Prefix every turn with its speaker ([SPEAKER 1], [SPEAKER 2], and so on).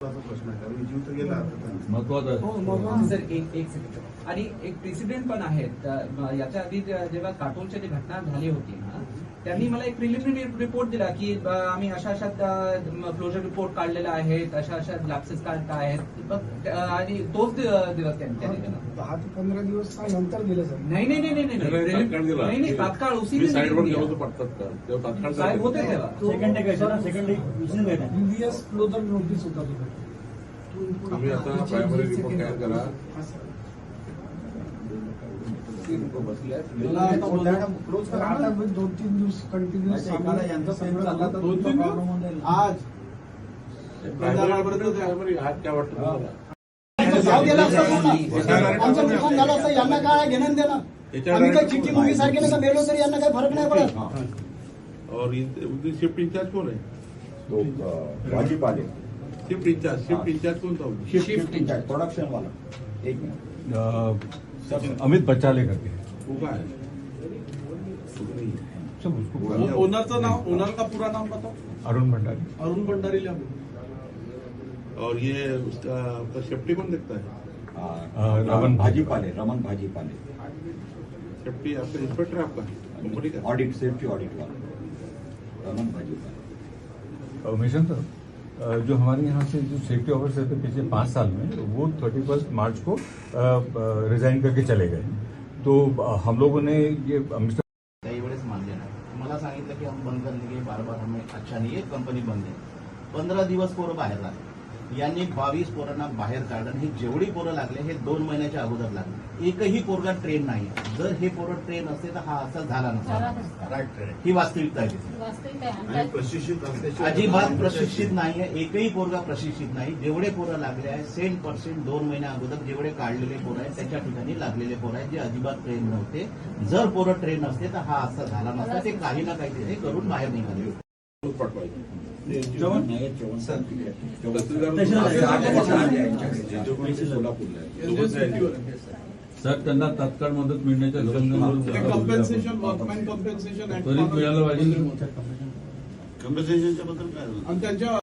[SPEAKER 1] प्रश्न आहे कारण जीव तर गेला
[SPEAKER 2] महत्वाचं सर. एक सेकंड. आणि एक प्रेसिडेंट पण आहेत. याच्या आधी जेव्हा काटोलच्या जी घटना झाली होती ना, त्यांनी मला एक प्रिलिमिनरी रिपोर्ट दिला की आम्ही अशा अशा क्लोजर रिपोर्ट काढलेला आहे, अशा अशा लॅप्सेस काढत आहेत, आणि तोच दिवस त्यांनी दिला.
[SPEAKER 3] 10 ते 15 दिवस नंतर दिलं सर.
[SPEAKER 2] नाही तात्काळ उसी साहेब होते तेव्हा.
[SPEAKER 3] प्रिव्हियस क्लोजर नोटीस होता
[SPEAKER 1] आम्ही आता प्रायमरी रिपोर्ट तयार करा.
[SPEAKER 3] आता 2-3 दिवस कंटिन्युअस आज
[SPEAKER 1] प्रायमरी आज काय वाटतं
[SPEAKER 3] आमचं नुकसान झालं असतं, यांना काय घेणं देणं. आम्ही काही चिठ्ठी मुंगी सारखे नाही मेलो तरी यांना काही फरक नाही पडत.
[SPEAKER 1] और शिफ्ट इंचार्ज कौन है?
[SPEAKER 4] तो भाजीपाले
[SPEAKER 1] शिफ्ट इंचार्ज कौन था?
[SPEAKER 2] शिफ्ट इंचार्ज
[SPEAKER 4] प्रोडक्शन वाला. एक मिनट
[SPEAKER 5] अमित बचाले करके
[SPEAKER 1] वो का है?
[SPEAKER 5] सब उसको
[SPEAKER 6] ओनरचं नाव, ओनर का पूरा नाम बताओ.
[SPEAKER 5] अरुण भंडारी.
[SPEAKER 6] अरुण भंडारी ला.
[SPEAKER 1] और ये उसका सेफ्टी कौन देखता है?
[SPEAKER 5] रमन
[SPEAKER 4] भाजीपाले.
[SPEAKER 1] सेफ्टी आपका इंस्पेक्टर है आपका कंपनी का?
[SPEAKER 4] ऑडिट सेफ्टी ऑडिट वाला रमन भाजीपाले.
[SPEAKER 5] मिशन सर, जो हमारे यहाँ से जो सेफ्टी ऑफिसर थे पिछले 5 साल में, वो 31 मार्च को रिजाइन करके चले गए. तो हम लोगों ने ये
[SPEAKER 7] काही वेळेस मानले नाही. मला सांगितलं की हम बंद करने के बार हमें अच्छा नहीं है, कंपनी बंद है. 15 दिवस पोरं बाहेर लागले. यांनी 22 पोरांना बाहेर काढलं. हे जेवढी पोरं लागले हे 2 महिन्याच्या अगोदर लागले. एकही पोरगा ट्रेन नाही. जर हे पोरं ट्रेन असते तर हा असा झाला नसता. ही वास्तविकता आहे. अजिबात प्रशिक्षित नाहीये. एकही पोरगा प्रशिक्षित नाही. जेवढे पोरं लागले आहे 100% 2 महिन्या अगोदर जेवढे काढलेले पोरं आहेत त्याच्या ठिकाणी लागलेले पोरं आहेत जे अजिबात ट्रेन नव्हते. जर पोरं ट्रेन असते तर हा असा झाला नसता. ते काही ना काही करून बाहेर निघाले.
[SPEAKER 5] सर त्यांना तात्काळ मदत मिळण्याच्या
[SPEAKER 6] कंपेन्सेशन, वर्कमॅन कंपेन्सेशन
[SPEAKER 5] त्वरित मिळालं पाहिजे.
[SPEAKER 1] कंपन्सेशनच्या बद्दल काय?
[SPEAKER 6] आणि त्यांच्या